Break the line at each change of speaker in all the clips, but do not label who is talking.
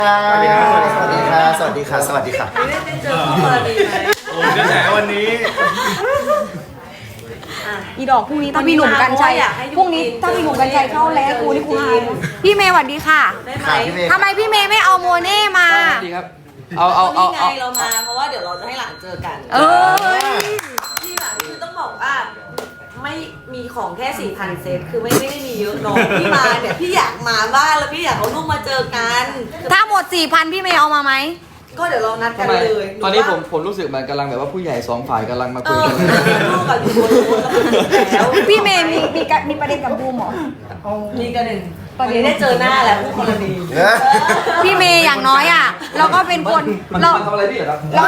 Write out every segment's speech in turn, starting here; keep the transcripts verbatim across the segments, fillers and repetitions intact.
สวัสดีครับสวัสดีค่ะสวัสดีค่ะสวัสดีค่ะ
ไม่ได้เจอคู่กรณีไหม
โอ้ยกระแสวันนี้
อีดอกพรุ่งนี้ถ้าพี่หนุ่มกัญชัยพรุ่งนี้ถ้าพี่หนุ่มกัญชัยเข้าแล้วกูนี่กูหายพี่เมย์สวัสดีค่ะ
ได้ไหม
ค่ะพี่เมย์
ทำไมพี่เมย์ไม่เอาโมเน่มา
สวัสดีครับ เอาเอาเอา
นี่ไง
เอา
เรามาเพราะว่าเดี๋ยวเราจะให้หลานเจอกัน
เออ
ที่หลานคือต้องบอกว่าไม่มีของแค่สี่พันเซตคือไม่ไม่ได้มีเยอะน้องพี่มาเนี่ยพี่อยากมาบ้านแล้วพี่อยากเอาลูกมาเจอกัน
ถ้าหมดสี่พันพี่เมย์เอามาไหม
ก็เดี๋ยวเรานัดกั
ทำ
น
ไม
เลย
ตอนนี้ผมผมรู้สึกเหมือนกำลังแบบว่าผู้ใหญ่สองฝ่ายกำลังมา
เอ
คุย
อ
กัน
ลูกกับอยู่บนรถแล้ว
พี่เมย์มีมีกะมีประเด็นกับบูมเหรอ
มีกันหนึ่งตอนนี้ได้เจอหน้าแล้วคู่กรณี
เออ
พี่เมย์อย่างน้อยอ่ะเราก็เป็นคน
มัน
เรา
มันทำอะไรพี่เหรอครับ
เรา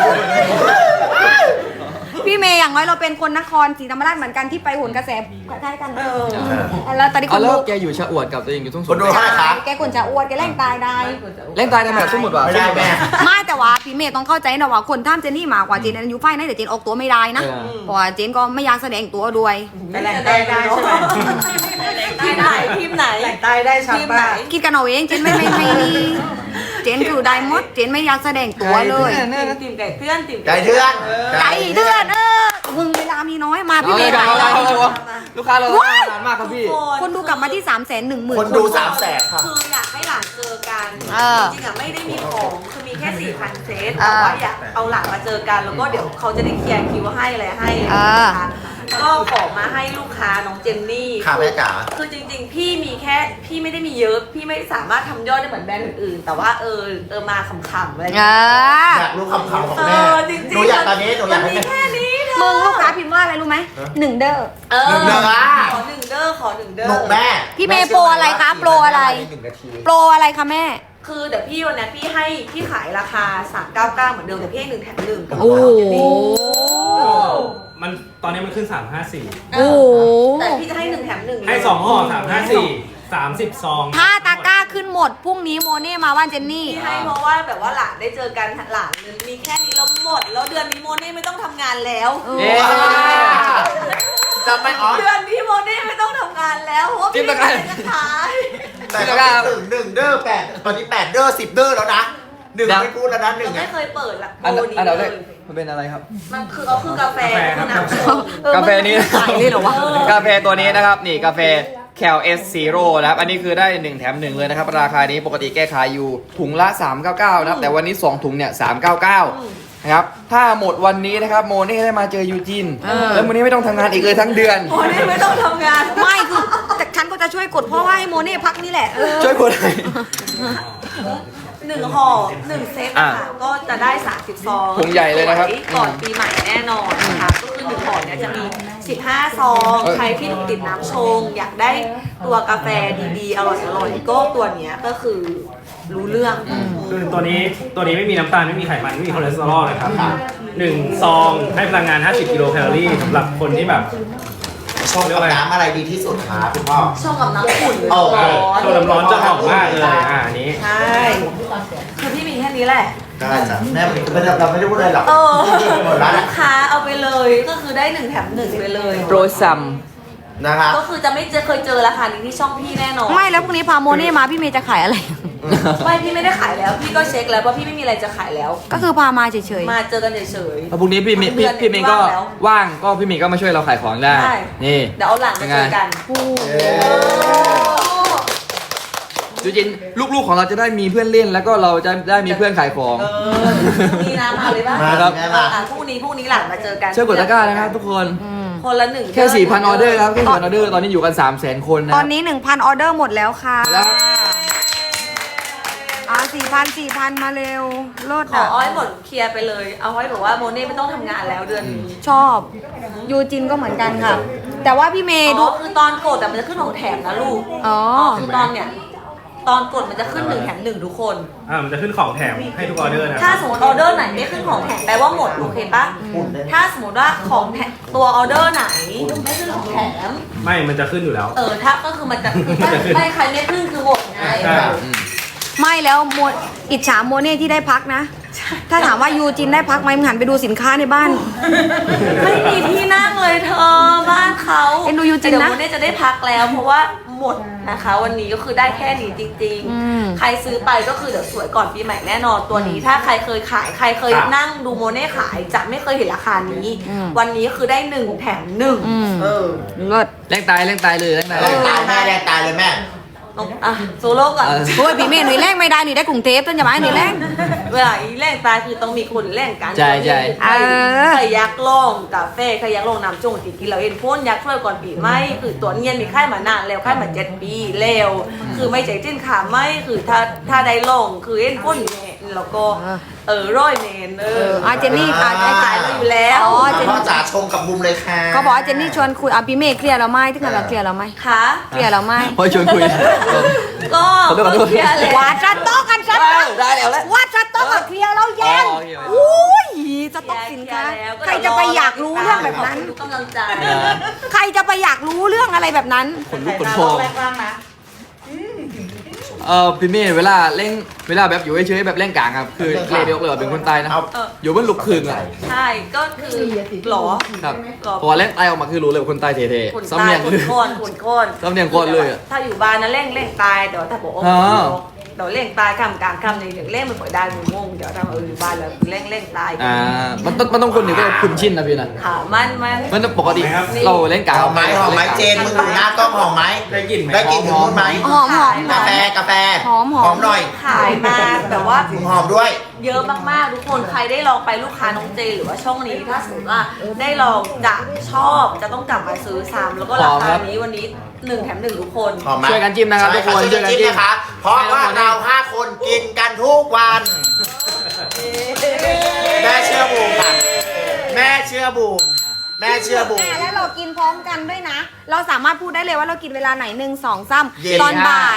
พี่เมย์อย่างน้อยเราเป็นคนนครศรีธรรมราชเหมือนกันที่ไปโหนกระแสคล้ายๆกัน
เออ
แล้วตอนนี้ค
เอา
น
แล้ว
ดู
แกอยู่ชะอวดกับตัวเองอยู่ทุ่งส
คน
ง
ดูเท่าไหร่คะ
แกคนจะอ้วนแกแรงตายได้
เล่นตายในแบบสมมติว่า
ไม่ได้แม่
ไม่แต่ว่าพี่เมย์ต้องเข้าใจนะว่าคนท่ามเจนนี่มากกว่าเจนอายุไฟนะแต่เจนออกตัวไม่ได้นะเพราะว่าเจนก็ไม่อยากแสดงตัวด้วย
ไม่แหล่งใต้ได้ใช่ไหมทีมไหนทีมไหนแหล่งใต้ได้ชัดไหน
คิดกันเอาเองเจนไม่ไม่ไม่นี่เจนคือได้หมดเจนไม่อยากแสดงตัวเลย
ทีมไก่เพื่อนทีม
ไก่เทือน
ไก่เดือนเออมึงเวลามีน้อยมาพี่
เอา
เม
เลย
ย์
ครั
หา
บ
ย
เอา
เล
เลย
ย
ครับลูกค้าเรานานมากครับพี่
คนดูกลับมาที่สามแสนหนึ่งหมื่น
คนดูสามแสนค่ะ
คืออยากให้หลานเจอกัน
เออ
จริงๆอ่ะไม่ได้มีของคือมีแค่สี่พันเซต
เออ
แต่ว่าอยากเอาหลานมาเจอกัน แล้วก็เดี๋ยวเขาจะได้เคลียร์คิวให้อะไรให้
เออ
นะคะก็ขอมาให้ลูกค้าน้องเจนนี่
ค่ะแม่จ๋า
คือจริงๆ พี่มีแค่พี่ไม่ได้มีเยอะ พี่ไม่สามารถทำยอดได้เหมือนแบรนด์อื่นๆ แต่ว่าเออเออมาขำๆอะไรอย่าง
เอ
เงี้ย
อ
อยากรู้คำขำของ
เอ
แม่
อจริงๆ
หนูอยากตอนนี้หนูอยาก
มั
ให้
มี
แม่
แค่นี้เธอ
มึงลูกค้าพิมพ์ว่าอะไรรู้ไหมหนึ่งเด้อ
เออ
หนึ่งเด้ออ่ะ
ขอหนึ่งเด้อขอหนึ่งเด้อ
หนูแม่
พี่เมย์โปรอะไรคะโปรอะไร
หนึ่งนาที
โปรอะไรคะแม่
คือเดี๋ยวพี่วันนี้พี่ให้พี่ขายราคาสามเก้าเก้าเหมือนเดิมแต่พี่ให้หนึ่งแถมหนึ่ง
โอ้โห
มันตอนนี้มันขึ้นสามห้าสี่
โอ้โห
แต่พี่จะให้หนึ่งแถมหนึ่ง
ให้สองห่อสามห้าสี่สามสิบซอง
ถ้าตะกร้าขึ้นหมดพรุ่งนี้โมเน่มาบ้านเจนนี่
พี่ให้เพราะว่าแบบว่าหลานได้เจอกันหลานมีแค่นี้แล้วหมด แล้วเดือนนี้โมเน่ไม่ต้องทำงานแล้ว
เอ๊ะ
จำไม่อ๋อ
เดือนนี้โมเน่ไม่ต้องทำงานแล้วเพราะว่า
จิ้
พี่
มตะกร้า
จะขาย
แต่ก็ถึงหนึ่งเด้อแปดตอนนี้แปดเด้อสิบเด้อแล้วนะหนึ่งไม่พูดแล้วนะหนึ่
เรา
ง
ไม่
อ่ะ
เคยเปิดละ
อัน
โปรนี้
อันดับ
เล
แร
ย
กมันเป็นอะไรครับ
มันคือเอาคือกาแฟคือน้ำชง
กาแฟนี้
ขายเลยเหรอวะ
กาแฟตัวนี้นะครับนี่กาแฟแคลเอสซีโร่นะครับอันนี้คือได้หนึ่งแถมหนึ่งเลยนะครับราคานี้ปกติแก้ขายอยู่ถุงละสามเก้าเก้านะครับแต่วันนี้สองถุงเนี่ยสามเก้าเก้านะครับถ้าหมดวันนี้นะครับโมเน่ได้มาเจอยูจินแล้วโมเน่ไม่ต้องทำงานอีกเลยทั้งเดือน
โมเน่ไม่ต้องทำงาน
ไม่คือแต่ฉันก็จะช่วยกดเพราะว่าให้โมเน่พักนี่แหละเออ
ช่วยกดให้
หนึ่งห่อหนึ่งเซตอะค่ะก็จะได้สามสิบซอง
ถุงใหญ่เลยนะครับ
ก่อนปีใหม่แน่นอนนะคะก็คือหนึ่งห่อเนี่ยจะมีสิบห้าซอง
เอ้ย
ใครที่ติดน้ำชง อยากได้ตัวกาแฟดีๆ อร่อยๆก็ตัวเนี้ยก็คือรู้เรื่อง
คือตัวนี้ตัวนี้ไม่มีน้ำตาลไม่มีไขมันไม่มีคอเลสเตอรอลนะครับหนึ่งซองให้พลังงานห้าสิบกิโลแคลอรี่สำหรับคนที่แบบ
ชงกับน้ำอะไรดีที่สุดคะคุณพ่อ
ชงกับน้ำอุ่นหรือ
โอ้
ร้อน
ตัวน้ำร้อนจะหอมมากเลยอ่าอันนี้
ใช่คือพี่มีแค่นี้แหละ
ได้จ้ะแม่ไม่ได้เราไม่ได้พูดอะไรหรอก
เออ
หมดแล้ว
ลู
นะ
กค้าเอาไปเลยก็คือได้หนึ่งแถมหนึ่งไปเลย
โปรซัม
นะคะ
ก็คือจะไม่เจอเคยเจอราคานี้ที่ช่องพี่แน่นอน
ไม่แล้วพรุ่งนี้พาโมเน่มาพี่เมย์จะขายอะไร
ไม่พี่ไม่ได้ขายแล้ว พี่ก็เช็คแล้วว่าพี่ไม่มีอะไรจะขายแล้ว
ก็คือพามาเฉย
มาเจอกันเฉย
แล้วพรุ่งนี้พี่มีพี่พี่เมย์ก็ว่างก็พี่เมย์ก็มาช่วยเราขายของได้
ใช่
นี่
ๆเดี๋ยวเอาหลานมาเจอกัน
ๆผู้
จริงๆลูกๆของเราจะได้มีเพื่อนเล่นแล้วก็เราจะได้มีเพื่อนขายของ
เออพรุ่งนี้นะมาเลยป่ะ
มาครับแม่มา
อ่ะพรุ่งนี้พรุ่งนี้หลานมาเจอกัน
ช่วยกดตะกร้านะครับทุกคน
คนละหนึ่ง
แค่ สี่พัน ออเดอร์ครับ แค่ สี่พัน ออเดอร์ ตอนนี้อยู่กัน สามแสน คนนะ
ต
ค
อ
รั
น
บ
นี้ หนึ่งพัน ออเดอร์หมดแล้วค่ะ
แล้ว
อ่าสี่พัน สี่พัน มาเร็วโลด
ขอ
อ่ะ
อ้อยหมดเคลียร์ไปเลย เอาไว้บอกว่าโมเน่ไม่ต้องทำงานแล้วเดือนนี้
ชอบยูจินก็เหมือนกันค่ะ แต่ว่าพี่เมย์
อ๋
ดู
อคือตอนกดแต่มันจะขึ้นของแถมนะลูก
อ๋อ
คือตอนเนี่ยตอนกดมันจะขึ้นหนึ่งแถมหนึ่งทุกคน
อ่ามันจะขึ้นของแถมให้ทุกออเดอร์นะค
ถ้า
รับ
สมมติออเดอร์ไหนไม่ขึ้นของแถมแปลว่าหมดโอเคปะถ้าสมมติว่าของแถมตัวออเดอร์ไหนไม่ขึ้นของแถม
ไม่มันจะขึ้นอยู่แล้ว
เออถ้าก็คือมันจะคือไม่ไม่ใครไม่ขึ้นคือหมดไง
ใช่
ไม่แล้วโมอิจฉาโมเน่ที่ได้พักนะ ถ้าถามว่ายูจินได้พักไหมมึงหันไปดูสินค้าในบ้าน
ไม่มีที่นั่งเลยเธอบ้านเขา
เอ็นดูยูจินนะ
เดี๋ยวโมเน่จะได้พักแล้ว เพราะว่าหหมดนะคะ วันนี้ก็คือได้แค่นี้จริง
อืม
ๆ ใครซื้อไปก็คือเดี๋ยวสวยก่อนปีใหม่แน่นอนตัวนี้ ถ้าใครเคยขายใครเคย
ครับ
นั่งดูโมเน่ขายจะไม่เคยเห็นราคานี้
อืม
วันนี้คือได้หนึ่งแถมหนึ่ง
อืม
เออ
เลิศ
แรงตายแรงตายเลยแรงตาย
แรงตายแม่แรงตายเลยแม่
น้องอ่ะโซโล่ก่อน
เออ
โอ้ยพี่เมย์หนุ่ยแรงไม่ได้หนุ่ยได้กรุงเทพต้นจะมาหนุ่ยแรง
เวลาอีแรงตายคือต้องมีคนแรงกัน
ใช่ใช่
ใคร
เออ
ใครยักษ์ล่องกาแฟใครยักษ์ล่องน้ำจงติกินเราเองพ่นยักษ์ช่วยก่อนปีไม่คือตัวเนียนมีค่ายมานานแล้วค่ายมาเจ็ดปีแล้วคือไม่ใจจิ้นขาไม่คือถ้าถ้าได้ล่องคือเอ็นพ่นแน่แล้วก็เออร้อยเมนเอ
เอ
อ
ออาเจนนี่ค่ะ
อ่า
ขายมาอยู่แล้ว
อ๋อเจน
พ่อจ๋าชงกับมุมเลยค่ะ
เขาบอกว่าเจนนี่ชวนคุยอ่ะพี่เมย์เคลียร์เราไหมที่เราเคลียร์เราไหม
ค่ะ
เคลียร์เราไหม
พอชวนคุย
ก็
ขอโทษขอโทษ
เคลียร์แล้ว
ว่าจะโต๊ะกันชัด
เออได้แล้วแหละ
ว่าจะโต๊ะกับเคลียร์เราแย่ง
อ๋อโอเค
อุ้ยจะต้องสินค้า
เคลียร์แล้ว
ใครจะไปอยากรู้เรื่องแบบนั้น
ทุกกำลังใจ
ใครจะไปอยากรู้เรื่องอะไรแบบนั้น
ขนลุกขนพองเออพี่เมย์เวลาเล่นเวลาแบบอยู่เฉยๆแบบเล่นกลางครับคือเกรดเดียวเลยว่าเป็นคนตายนะ
เอา
อยู่บนลูกครึ่งอ่ะ
ใช่ก็คือหรอ
ครับพอเล่นตายออกมาคือรู้เลยว่าคนตายเท่
ขน
ๆซ้ำ
ตา
เนี
ย
ยง
ข
คื
น
อ
โคนขนโคน
ซ้ำเนียงโคตรเลยอะ
ถ้าอยู่บ้านนะเร่งเร่งตายแต่ว่าถ้าบอกโอ้
อ๋อ
เดี๋ยวเร่งตายคำกลางคำในเดี๋ยวเร่งมันปล่อยได้มึงงงเดี๋ยวทำเอออยู่บ้านแล้วเร่งเร่งตาย
อ่ามันต้องมันต้องคนหนึ่งก็คุ้นชินนะพี่นะ
ค่ะมันมัน
มันปกติเราเล่นกลาง
หอมไหมหอมไหมเจนมึงดูหน้ากล้องหอมไหม
ได้กลิ่นไหม
ได้กลิ่นถึงนู่นไหม
หอมหอมห
กา
อม
แฟกาแฟ
หอมหอม
หอมหน่อย
ขายมาแบบว่า
มึงหอมด้วย
เยอะมากๆทุกคนใครได้ลองไปลูกค้าน้องเจหรือว่าช่องนี้ถ้าสมมติว่าได้ลองจะชอบจะต้องกลับมาซื้อซ้ำแล้วก็ราคานี้วันนี้หนึ่งแถมหนึ่งทุกคน
หอมไหม
ช่วยกันจิ้มนะครับทุกคน
ช่วยกันจิ้มนะคะ เพราะว่าเราห้าคนกินกันทุกวัน แม่เชื่อบูมค่ะ แม่เชื่อบูม แม่เชื่อบูม
อ่ะแล้วเรากินพร้อมกันด้วยนะ เราสามารถพูดได้เลยว่าเรากินเวลาไหนหนึ่งสองสาม
เย็น
ตอนบ่าย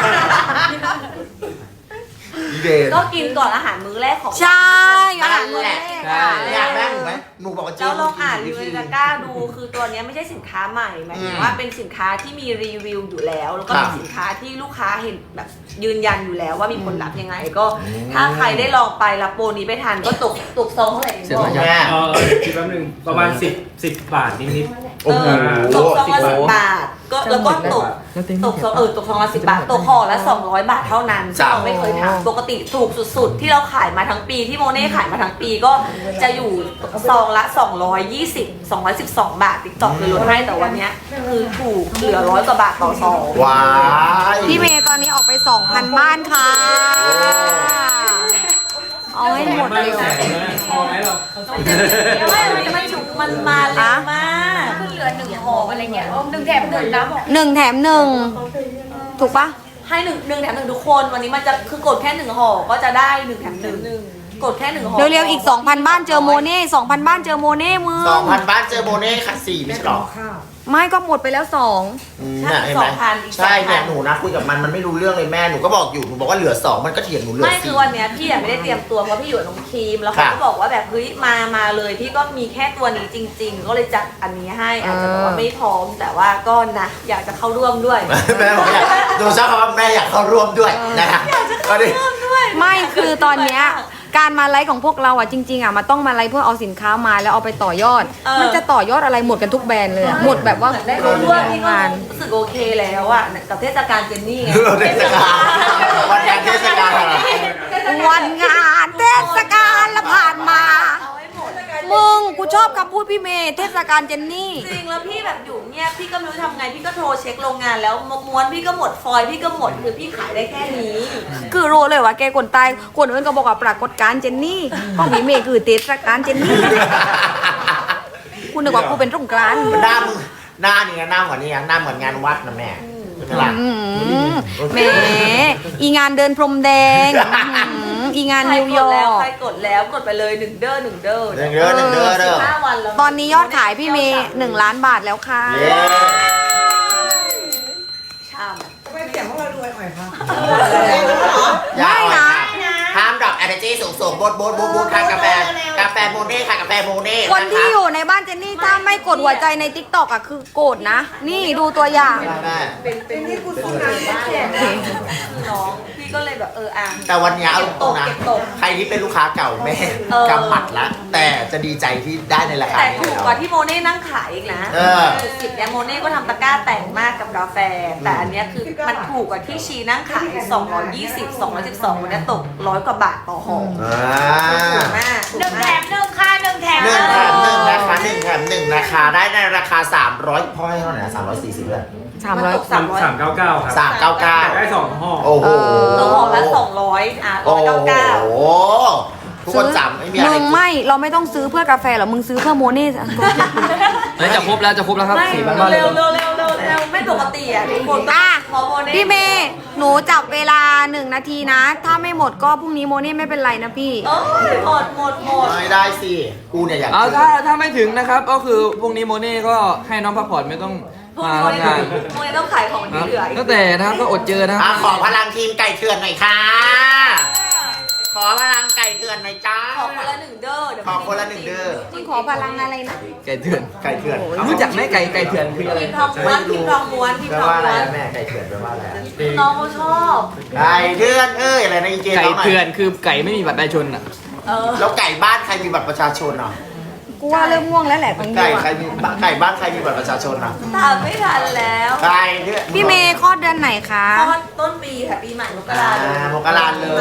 เดน
ก็กินก่อนอาหารมื้อแรกของ
ใช่อาหารมื้อแรก
ใช่
ค่ะ
อยากแม่หนูไหมหนูบอกว่าเจ๊
แล้วลองอ่านรีวิวในตะกร้าดูคือตัวเนี้ยไม่ใช่สินค้าใหม่หมายถึงว่าเป็นสินค้าที่มีรีวิวอยู่แล้ว แล้วก็เป็นสินค้าที่ลูกค้าเห็นแบบยืนยันอยู่แล้วว่ามีผลลัพธ์ยังไง ก็ถ้าใครได้ลองไปรับโปรนี้ไปทานก็ตกตกซองเท่าไหร่
เสีย
บ
ไหม
อก
แม่
เออคิดแป๊บนึงประมาณสิบสิบบาทนิด
โอ้โห
ตกซองละสิบบาทก็แล้วก็ตกตกซองเออตกซองละสิบบาทตกห่อละสองร้อยบาทเท่านั้นซึ่งเราไม่เคยทำปกติถูกสุดๆ ที่เราขายมาทั้งปีที่โมเน่ขายมาทั้งปีก็จะอยู่ซองละสองร้อยยี่สิบ สองร้อยสิบสองบาทติ๊กต็อกเลยลดให้แต่วันเนี้ยคือถูกเหลือร้อยกว่าบาทต่อซอง
ว้าย
พี่เมย์ตอนนี้ออกไปสองพันบ้านค่ะ เอาให้
ๆ
หมด
ไม่
เร็ว
แสนนะพอไหมเรา
ไม่วันนี้มันฉุกมันมาเร็วมาก
เหลือหนึ่งห่ออะไรเงี้ยหนึ่งแถมหนึ่งนะบอก
หนึ่งแถมหนึ่งถูกปะ
ให้หนึ่งหนึ่งแถมหนึ่งทุกคนวันนี้มันจะคือกดแค่หนึ่งห่อก็จะได้หนึ่งแถมหนึ่งกดแค่หนึ่งห่อ
เร็วๆอีก สองพัน บ้านเจอโมเน่สองพัน บ้านเจอโมเน่มึง
สองพันบ้านเจอโบเน่ค่ะสี่ไม่ใช่หรอ
ไม่ก็หมดไปแล้วสอง
อืมน่ะเห็นไหมใช่เนี่ยหนูนะคุยกับมันมันไม่รู้เรื่องเลยแม่หนูก็บอกอยู่หนูบอกว่าเหลือสองมันก็เถียงหนูเหลือ
ไม่คื
สี่
อวันเนี้ยพี่อะไม่ได้เตรียมตัวเพราะพี่อยู่กับน้องครีมแล้วเขา
ค่ะ
ก็บอกว่าแบบเฮ้ยมามาเลยพี่ก็มีแค่ตัวนี้จริง ๆ ก็เลยจัดอันนี้ให้อาจจะบอกว่าไม่พร้อมแต่ว่าก็นะอยากจะเข้าร่วมด้วย
แม่บอกอยากหนูชอบคำว่าแม่อยากเข้าร่วมด้วยนะคะก็ดิ
ไม่คือตอนเนี้ยการมาไลฟ์ของพวกเราอ่ะจริงๆอ่ะมันต้องมาไลฟ์เพื่อเอาสินค้ามาแล้วเอาไปต่อยอด
เออ
มันจะต่อยอดอะไรหมดกันทุกแบรนด์เลยอะหมดแบบว่า
เหมือนได้เข้าร่วมพี่ก็
งาน
รู้สึกโอเคแล้วอะกับเทศกาลเจนนี่ไง
เทศกาลวันงานเทศกาลอะไร
วันงานเทศกาลละผ่านมา
เอาไว้หมด
มึงกูชอบคำพูดพี่เมย์เทศกาลเจนนี่
จริงแล้วพี่แบบอยู่เงียบพี่ก็ไม่รู้ทำไงพี่ก็โทรเช็คโรงงานแล้วม้วนพี่ก็หมดฟอยล์พี่ก็หมดคือพี่ขายได้แค่นี้
คือรู้เลยว่าแกคนตายคนอื่นก็บอกว่าปรากฏการณ์เจนนี่ของพี่เมย์คือเทศกาลเจนนี่คุณนึกว่ากูเป็นสงกรานต์
หน้ามึงหน้านี่นะหน้าเหมือนนี่นะหน้าเหมือนงานวัดนะแม่ใช่ไหมล่ะ
อืมแหมอีงานเดินพรมแดงอื้อหืออีงาน
ใคร
นิว
ก
ย
ด
อ
แล้ว
ร์ก
ใครกดแล้วกดไปเลยหนึ่งเด้อหนึ่งเด้อ
หนึ่งเด้อหนึ่งเด้อเด้อ
ห้าวันแล้ว
ตอนนี้ยอดขายพี่เมย์หนึ่งล้านบาทแล้วค่ะ
เย้
ช่
อย่าอ่อยค่ะห้ามดรอป energy สูงสูงๆบดบดบดบดค่ะกาแฟกาแฟโมเน่ค่ะกาแฟโมเน่
คนที่อยู่ในบ้านเจนนี่ถ้าไม่กดหัวใจในทิกตอกอ่ะคือโกรธนะ นี่ดูตัวอย่าง
แม่
เป็นเป็นที่กูสงสารมากคือน้องพี่ก็เลยแบบเอออ่ะ
แต่วันนี้เอาตรงๆนะ
เก็บตก
ใครที่เป็นลูกค้าเก่าแม่
เออ
กำหมัดละแต่จะดีใจที่ได้ในราคา
แต่
นี้
ถูกกว่าที่โมเน่นั่งขายอีกนะ
เออ
จุดสิบเนี่ยโมเน่ก็ทำตะกร้าแต่งมากกับกาแฟ แต่อันเนี้ยคือมันถูกกว่าที่ชีนั่งขายสองร้อยยี่สิบ สองร้อยสิบสองวันนี้ตกร้อยกว่าบาทต่อห่อ
อ่า
ถูกมากถู
หนึ่
ก
งแถ
มาก
มหนึ่งค่ะหนึ่งแถม
หนึ่งแถมหนึ่งนะคะหนึ่งแถมหนึ่งนะคะได้ในราคาสามร้อยพ่อให้เท่าไหร่นะสามร้อยสี่สิบเลย
สามร้อย
ตกสามร้อย
สามเก้าเก้าครับ
สามเก้าเก้า
ได้สองห่อ
โอ้โห
ตัวห่อละสองร้อยอ่ะ
โอ้
ร้อยเก้าเก้า
โหทุกคนจำไม่มีอะไร
มึงไม่เราไม่ต้องซื้อเพื่อกาแฟหรอกมึงซื้อเพื่อโมเน่
เฮ้ยจะครบแล้วจะครบแล้วครับ
ไม่
สี่พันบ้านเล
เร็
ยว
เร็วเร็วเร็วเร็วไม่ปกติอ่ะทุกคนต้อง
อ่ะ
ขอโมเน่
พี่เมย์หนูจับเวลาหนึ่งนาทีนะ ถ้าไม่หมดก็พรุ่งนี้โมเน่ไม่เป็นไรนะพี่
โอ้ยหมดหมดหมด
ไม่ได้สิกูเนี่ยอยาก
เอา
กิน
ถ้าถ้าไม่ถึงนะครับ ก็คือพรุ่งนี้โมเน่ก็ให้น้องพักผ่อนไม่ต้อง
พวก
มา
โม
ทำ
เน่
งาน
โมเน่ต้องขายของ
ค
ที่
รับ
เหลืออีก
ตั้งแต่นะครับก็อดเจอนะค
อ่ะ
รับ
ขอพลังทีมไก่เถื่อนหน่อยค่ะ ขอพลังไก่เถื่อนหน่อยจ้า
ขอคนละหนึ่งเด้อเดี๋ยว
ขอคนละหนึ่งเด้อ
มึงขอพลังอะไรนะ
ไก่เถื่อน
ไก่เถื่อน
รู้จักไหมไก่ไก่เถื่อนคืออะไร
พิมพ์ทองม้วนพิมพ์ทองม้วนพิม
แปล
พ์ทอง
ว่าอะไร
ม้วน
นะแม่ไก่เถื่อนแปลว่าอะไรอะ
น้องเขาชอบ
ไก่เถื่อนเอ้ยอะไรนะอีเจ
ไก่
น้องหน่อย
เถื่อนคือไก่ไม่มีบัตรประชาชนอ่ะ
เออ
แล้วไก่บ้านใครมีบัตรประชาชนอ่ะ
กูว่าเริ่มง่วงแล้วแหละของกู
ไก่
อะ
ใครมีไก่บ้านใครมีบัตรประชาชนอ่ะ
ตามไม่ทันแล้ว
ไก่เถื่อน
พี่เมย์คลอดเดือนไหนคะ
เพราะว่าต้นปีค่ะปีใหม่มกราเลย
อ่ามกราเลย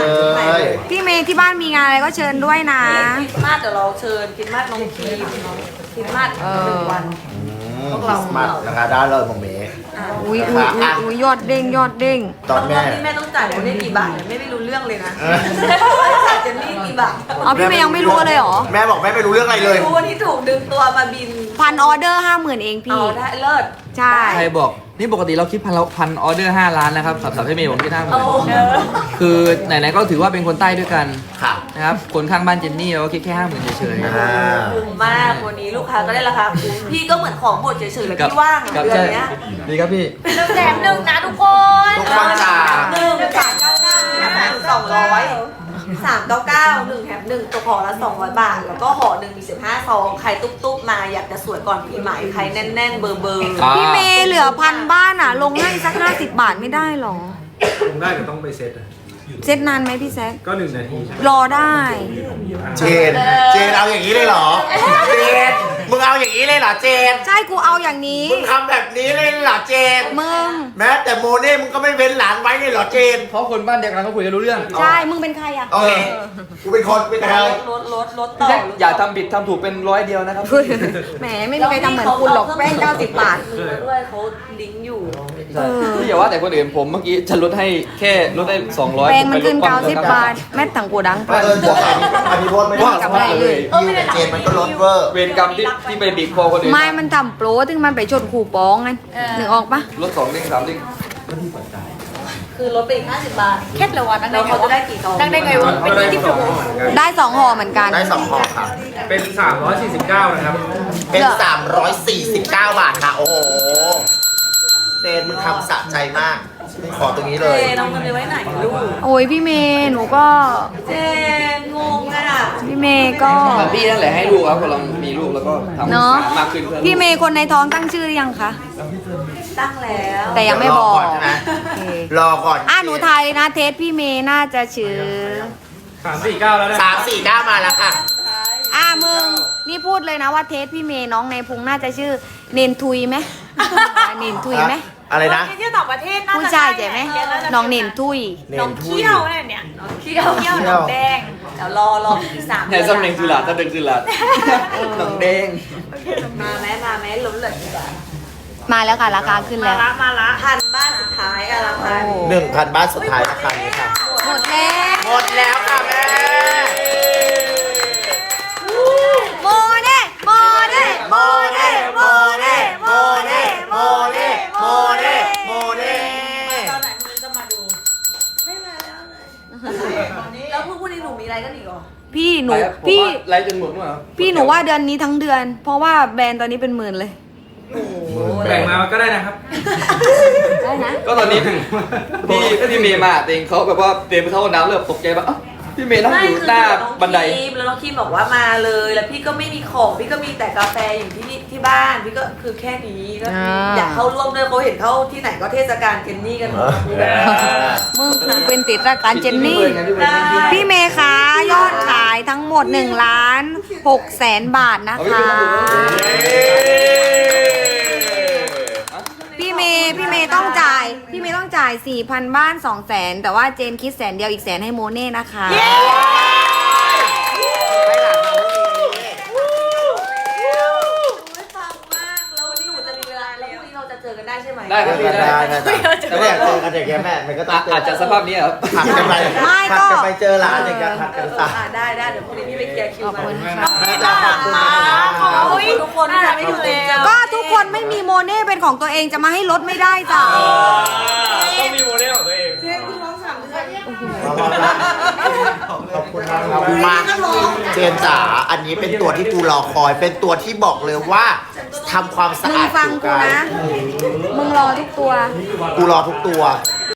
พี่เมย์ที่บ้านมีงานอะไรก็เชิญด้วยนะ
คริสต์มาสเดี๋ยวเราเชิญคริสต์มาสน้องคีมคริสต์มาส
เออ
หนึ่งวัน
อืมคริสต์มาสนะคะได้เลยผมเมย์
อุ้ยอุ้ยอุ้ยอุ้ยยอดเด้งยอดเด้ง
ตอน
ร
แม่
อบที่แม่ต้องจ่ายโมเน่กี่บาทเนี่ยไม่ได้รู้เรื่องเลยนะ
เออ
จ่ายเจนนี่กี่บาท
อ๋อพี่เมย์ยังไม่รู้เลยเหรอ
แม่บอกแม่ไม่รู้เรื่องอะไรเลย
รู้วันที่ถูกดึงตัวมาบิน
พันออเดอร์ห้าหมื่นเองพี่
เอาได้เลิศ
ใช่
ใครบอกนี่ปกติเราคิดพันเราพันออเดอร์ห้าล้านนะครับสับสับให้เมย์ผมคิดห้าหมื่
โอ้
น
โห
คือไหนๆก็ถือว่าเป็นคนใต้ด้วยกัน
ค่ะ
นะครับคนข้างบ้านเจนนี่เราก็คิดแค่ห้าหมื่นเฉย
อ่า
คุ้มมากวันนี้ลูกค้าก็ได้ราคาคุ้มพี่ก็เหมือนของหมดเฉยๆเลย
กับ
พี่ว่างอะ
กับ
เดือน
ใช่
เนี้ย
ดีครับพี่
หนึ่งแถมหนึ่งนะทุกคน
ทุกคนจ๋า
หนึ่งสามเก้าเก้าสามสองร้อยสามเก้าเก้าหนึ่งแถมหนึ่งตัวห่อละสองร้อยบาท แล้วก็ห่อหนึ่งมีสิบห้าซองใครตุ๊บๆมาอยากจะสวยก่อนปีใหม่ใครแน่นๆเบอร์เบอร์
อ่า
พี่เมย์เหลือพันบ้านอ่ะ ลงให้สักห้าสิบบาทไม่ได้หรอ
ลงได้แต่ต้องไปเซ็ตอะ
เซ็ตนานไหมพี่แซค
ก็หนึ่งนาทีใช่ไหม
รอได้
เจน เจนเอาอย่างนี้เลยเหรอ เจน มึงเอาอย่างนี้เลยเหรอเจน
ใช่กูเอาอย่างนี้
มึงทำแบบนี้เลยเหรอเจน
มึง
แม้แต่โมเน่มึงก็ไม่เว้นหลานไว้เลยเหรอเจน
เพราะคนบ้านเดียวกันเขาคุยกันรู้เรื่อง
ใช่ มึงเป็นใครอ่ะ
โอเค กูเป็นคนเป็นใคร
ลดลดลดต่อ
อย่าทำผิดทำถูกเป็นร้อยเดียวนะครับ
แหมไม่มีใครทำเหมือนคุณหรอกแป้งเก้าสิบบาท
ด้วยเขาลิงก์อยู่
เออ
พี่อย่าว่าแต่คนอื่นผมเมื่อกี้ฉันลดให้แค่ลดได้สองร้อย
แป้งมันขึ้นเก้าสิบบาท แม่ถังกูดัง
เออบอกอันนี้อันนี้โพสต์ไม่ได้
กลับได้เลย
ยูกับเจนมันก็ลดเวอร์
เวรกรรมที่ที่ไปบีบคอคนอื่น
ไม่มันทำโปรถึงมันไปชนขู่ป้องไงนึกออกปะ
ลดสองเด้งสามเด้ง
คือลดไปอีกห้าสิบบาท
แค่ละวันนั่ง
แล้
ได้
ว
ไง
เขาจะ
วะ
ได้กี่ซอง
นั่งได้ไงวะเป็นที่ที่ผม
ได้สองห่อเหมือนกัน
ได้สองห่อค่ะ
เป็นสามร้อยสี่สิบเก้านะครับ
เป็น สามร้อยสี่สิบเก้า บาทค่ะ โอ้โหเจนมึงทำสะใจมากมึงขอตรงนี้เลย
เจน้องเงินไปไว้ไหนลูก
โอ้ยพี่เมย์หนูก็
เจงงอ่ะ
พี่เมย์ก็
แต่พี่นั่นแหละให้ลูกครับพอเรามีลูกแล้วก็ทำ
เนาะ
มากขึ้นเพื่อ
พี่เมย์คนในท้องตั้งชื่อหรือยังคะ
ตั้งแล้ว
แต่ยังไม่บอก
รอก่อนใช่ไหม
โอเค
รอก่อน
อ่ะหนูทายเลยนะเทสพี่เมย์น่าจะชื่อ
สามสี่เก้าแล้วนะ
สามสี่เก้ามาแล้วค่ะ
อ่ะมึงนี่พูดเลยนะว่าเทสพี่เมย์น้องในพุงน่าจะชื่อเนนทุยไหมเนนทุยไหม
อะไรนะ
ที่เที่ยวต่างประเทศน่าจะ
ผู้ชายใช่ไหมน้องเนนทุย
น้องเที่ยวเนี่ยเนี่ยน้องเที่ยวเที่ยวน้องแดง
เดี๋ยวรอรออีกสาม
แต่สำเนียงสุราษฎร์สำเนียงสุราษฎร์หนังแดง
มาไหมมาไหมล้มเลยดีกว่า
มาแล้วค่ะราคาขึ้น
มา
แล้ว
ละมาละ
พันบ้านสุดท้ายอะราคา
โอ้
หนึ่งพันบาทสุดท้ายราคานี้ค่ะ
หมดแล้ว
หมดแล้วค่ะแม่
โมเน่โมเน่
โมเน่โมเน่โมเน่โมเน่โมเน่โมเน่
ตอนไหนคุณจะมาดู ไม่มาแล้วเลยแล้วพรุ่งนี้หนูมีอะไรกันอีกเหรอ
พี่หนู
พี่
พี่
ไล่จนหมดมั้งครับ
พี่หนูว่าเดือนนี้ทั้งเดือน เพราะว่าแบรนด์ตอนนี้เป็นหมื่นเลย
แบ่งมาก็ได้นะครับ
ได้นะ
ก็ตอนนี้พี่พี่เมย์มาเองเขาแบบว่าเตรียมไปเข้าห้องน้ำเริ่มตกใจแบบเอ้าพี่เมย์นั่ง
ไม่
อยู่
คือ
หน้า
น้อง
บันได
ครีมแล้วน้องครีมบอกว่ามาเลย แล้วพี่ก็ไม่มีของพี่ก็มีแต่กาแฟอยู่ที่นี่ที่บ้านพี่ก็คือแค่นี้ก็
อ่า
อยากเข้าร่วมด้วยเขาเห็นเข้าที่ไหนก็เทศกาลเจนนี่กันหมด
มึงกูเป็นติดรายการเจนนี่
ได้
พี่เมย์คะยอดขายทั้งหมด1ล้าน6แสนบาทนะคะ พี่เมย์พี่เมย์ต้องจ่าย พี่เมย์ต้องจ่าย 4,000 บ้าน 2 แสน แต่ว่าเจนคิดแสนเดียวอีกแสนให้โมเน่นะคะ
ไม่หลังเราไม่มี
ไม่ฟังมากแล้ววันนี้หนูจะมีเวลาแล้วพรุ่งนี้เราจะเจอกันได้ใช่ไหม
ได้ครับพี่ได้
แต่ไม่อยากเจอกันอย่างเงี้ยแม่มันก็ต้องเจอ
อาจจะสภาพนี้ครับ
ผัดกันไป
ไม่
ผัด
ก็
กันไปเจอร้านอย่างเงี้ยผัดกันซะ
อ่าได้ได้เดี๋ยวพรุ่งนี้พี่ไปเคลียร์คิว
ขอบ
มา
คุณค่ะ
แม่จ๋าขอบคุณนะ
ขอบคุณทุกคนที่ทำให้หนูเจอ
ก็ทุกคนไม่มีโมเน่เป็นของตัวเองจะมาให้ลดไม่ได้จ้ะ
ต้องมีโมเดลของตัวเอง
ขอบคุณนะครับมาเจนจ๋าอันนี้เป็นตัวที่กูรอคอย เป็นตัวที่บอกเลยว่าทำความสะ
มึง
อาด
ฟัง
ผิว
กู
กาย
นะ มึงรอทุกตัว
กูรอทุกตัว